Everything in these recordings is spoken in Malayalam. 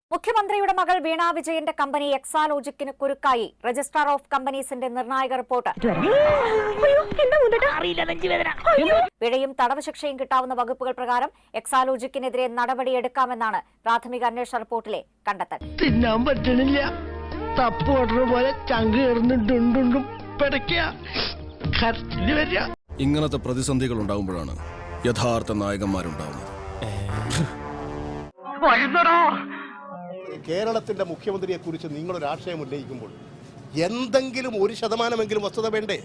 മുഖ്യമന്ത്രിയുടെ മകൾ വീണ വിജയന്റെ കമ്പനി എക്സാലോജിക്കിന് കുരുക്കായി രജിസ്ട്രാർ ഓഫ് കമ്പനീസിന്റെ നിർണായക റിപ്പോർട്ട്. പിഴയും തടവ് ശിക്ഷയും കിട്ടാവുന്ന വകുപ്പുകൾ പ്രകാരം എക്സാലോജിക്കിനെതിരെ നടപടിയെടുക്കാമെന്നാണ് പ്രാഥമിക അന്വേഷണ റിപ്പോർട്ടിലെ കണ്ടെത്തൽ. തിന്നാൻ പറ്റണില്ല, തപ്പോടുന്ന പോലെ ചങ്ക് കയറുന്നുണ്ടുണ്ടുണ്ടും ഇങ്ങനത്തെ പ്രതിസന്ധികൾ ഉണ്ടാകുമ്പോഴാണ് യഥാർത്ഥ നായകന്മാരുണ്ടാവുന്നത്. കേരളത്തിന്റെ മുഖ്യമന്ത്രിയെ കുറിച്ച് നിങ്ങളൊരു ആശയം ഉന്നയിക്കുമ്പോൾ എന്തെങ്കിലും 1% വസ്തുത വേണ്ടേ?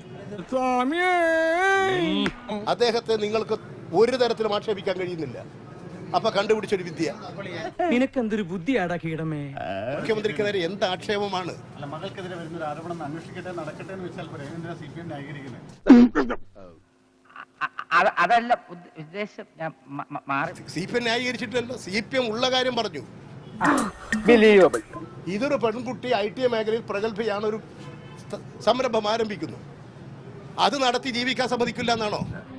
അദ്ദേഹത്തെ നിങ്ങൾക്ക് ഒരു തരത്തിലും ആക്ഷേപിക്കാൻ കഴിയുന്നില്ല. അപ്പൊ കണ്ടുപിടിച്ചൊരു വിദ്യ. നിനക്കെന്തൊരു ബുദ്ധിയാടാ കീടമേ. മുഖ്യമന്ത്രിക്ക് നേരെ എന്ത് ആക്ഷേപമാണ്? മകൾക്കെതിരെ വരുന്ന ഒരു ആരോപണം അന്വേഷിക്കട്ടെ, നടക്കട്ടെ എന്ന് വെച്ചാൽ CPM ന്യായീകരിക്കുന്നത്. അതല്ല ഉദ്ദേശം. CPM ന്യായീകരിച്ചിട്ടല്ലോ, CPM ഉള്ള കാര്യം പറഞ്ഞു. ഇതൊരു പെൺകുട്ടി IT മേഖലയിൽ പ്രഗത്ഭയാണ്, ഒരു സംരംഭം ആരംഭിക്കുന്നു. അത് നടത്തി ജീവിക്കാൻ സമ്മതിക്കില്ല എന്നാണോ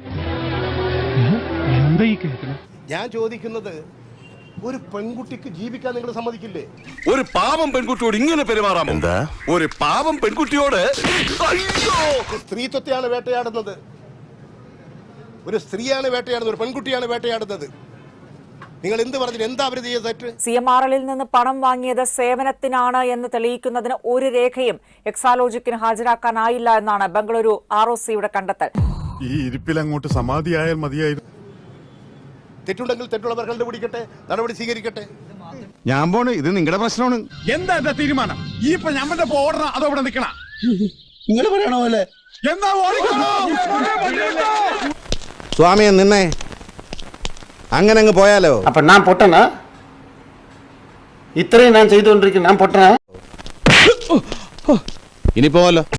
ഞാൻ ചോദിക്കുന്നത്? ഒരു പെൺകുട്ടിക്ക് ജീവിക്കാൻ നിങ്ങൾ സമ്മതിക്കില്ലേ? ഒരു പാവം പെൺകുട്ടിയോട് ഇങ്ങനെ പെരുമാറാമോ? എന്താ ഒരു പാവം പെൺകുട്ടിയോട്? സ്ത്രീത്വത്തെയാണ് വേട്ടയാടുന്നത്. ഒരു സ്ത്രീയാണ് വേട്ടയാടുന്നത്, ഒരു പെൺകുട്ടിയാണ് വേട്ടയാടുന്നത്. നിങ്ങൾ എന്ത് പറഞ്ഞു? എന്താ അവർ ചെയ്ത തെറ്റ്? CMRL നിന്ന് പണം വാങ്ങിയത് സേവനത്തിനാണ് എന്ന് തെളിയിക്കുന്നതിന് ഒരു രേഖയും എക്സാലോജിക്കിന് ഹാജരാക്കാനായില്ല എന്നാണ് ബംഗളൂരു ROCയുടെ കണ്ടെത്തൽ. ഈ ഇരിപ്പിലങ്ങോട്ട് സമാധിയായാൽ മതിയായിരുന്നു. തെറ്റുണ്ടെങ്കിൽ തെറ്റുള്ളവർ കണ്ടുപിടിക്കട്ടെ, നടപടി സ്വീകരിക്കട്ടെ. ഞാൻ പോണ്, ഇത് നിങ്ങളുടെ പ്രശ്നമാണ്. എന്താ എന്റെ തീരുമാനം? ഈ ഇപ്പൊ ഞമ്മന്റെ ഓടണം അതോ ഇവിടെ നിൽക്കണ? നിങ്ങൾ പറയണ പോലെ എന്താ ഓടിക്കണോ? സ്വാമിയെ നിന്നെ അങ്ങനെ അങ്ങ് പോയാലോ? അപ്പൊ ഞാൻ പൊട്ടന? ഇത്രയും ഞാൻ ചെയ്തുകൊണ്ടിരിക്കുന്നു, ഞാൻ പൊട്ടന? ഇനി പോവല്ലോ.